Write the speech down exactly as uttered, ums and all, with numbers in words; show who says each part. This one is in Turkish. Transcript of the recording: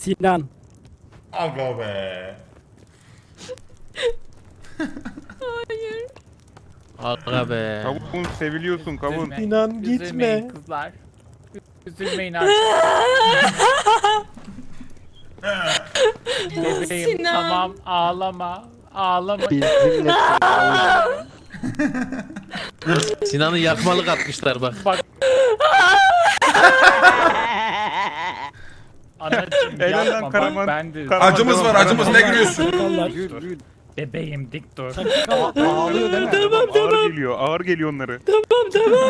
Speaker 1: Sinan.
Speaker 2: Aga be.
Speaker 3: Aga be.
Speaker 4: Kavun seviliyorsun kavun.
Speaker 5: Üzülme.
Speaker 1: Sinan gitme.
Speaker 5: Üzülmeyin kızlar. Üzülmeyin artık. Bebeğim
Speaker 6: Sinan.
Speaker 5: tamam ağlama. Ağlama.
Speaker 3: Bizimle Sinan'ı yakmalık atmışlar bak.
Speaker 5: Bak. Anacığım
Speaker 4: Helal lan
Speaker 5: yapma bak
Speaker 4: Karaman.
Speaker 5: ben de.
Speaker 4: Karaman.
Speaker 2: Acımız var acımız ne gülüyorsun?
Speaker 1: Sakallar.
Speaker 5: Bebeğim dik dur.
Speaker 1: Ağlıyor değil mi?
Speaker 4: Ağır geliyor ağır geliyor onları.